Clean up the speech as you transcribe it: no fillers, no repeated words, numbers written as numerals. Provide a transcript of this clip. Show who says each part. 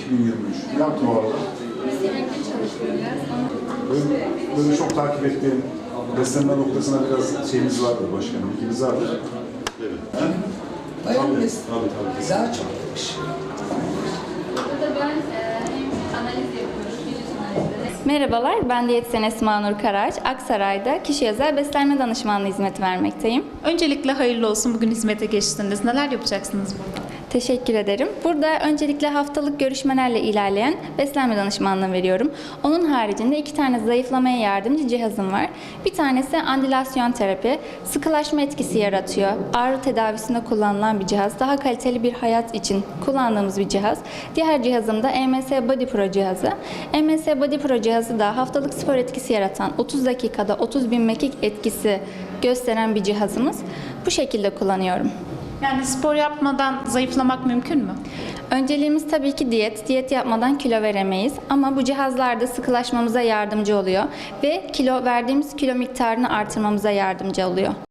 Speaker 1: 2023. Ne yaptın o arada?
Speaker 2: Sürekli çalışıyoruz.
Speaker 1: Böyle çok takip ettiğim beslenme noktasına biraz şeyimiz vardır başkanım, ilgimiz vardır. Evet.
Speaker 3: Bayan biz
Speaker 1: Tabii.
Speaker 3: daha çok demiş.
Speaker 2: Burada da ben analiz yapıyoruz, vücut analizleri.
Speaker 4: Merhabalar, ben diyetisyen Esma Nur Karaç. Aksaray'da kişiye özel beslenme danışmanlığı hizmeti vermekteyim.
Speaker 5: Öncelikle hayırlı olsun, bugün hizmete geçtiniz. Neler yapacaksınız burada?
Speaker 4: Teşekkür ederim. Burada öncelikle haftalık görüşmelerle ilerleyen beslenme danışmanlığı veriyorum. Onun haricinde 2 tane zayıflamaya yardımcı cihazım var. Bir tanesi andilasyon terapi, sıkılaşma etkisi yaratıyor. Ağrı tedavisinde kullanılan bir cihaz. Daha kaliteli bir hayat için kullandığımız bir cihaz. Diğer cihazım da EMS Body Pro cihazı. EMS Body Pro cihazı da haftalık spor etkisi yaratan 30 dakikada 30.000 mekik etkisi gösteren bir cihazımız. Bu şekilde kullanıyorum.
Speaker 5: Yani spor yapmadan zayıflamak mümkün mü?
Speaker 4: Önceliğimiz tabii ki diyet. Diyet yapmadan kilo veremeyiz. Ama bu cihazlar da sıkılaşmamıza yardımcı oluyor ve verdiğimiz kilo miktarını artırmamıza yardımcı oluyor.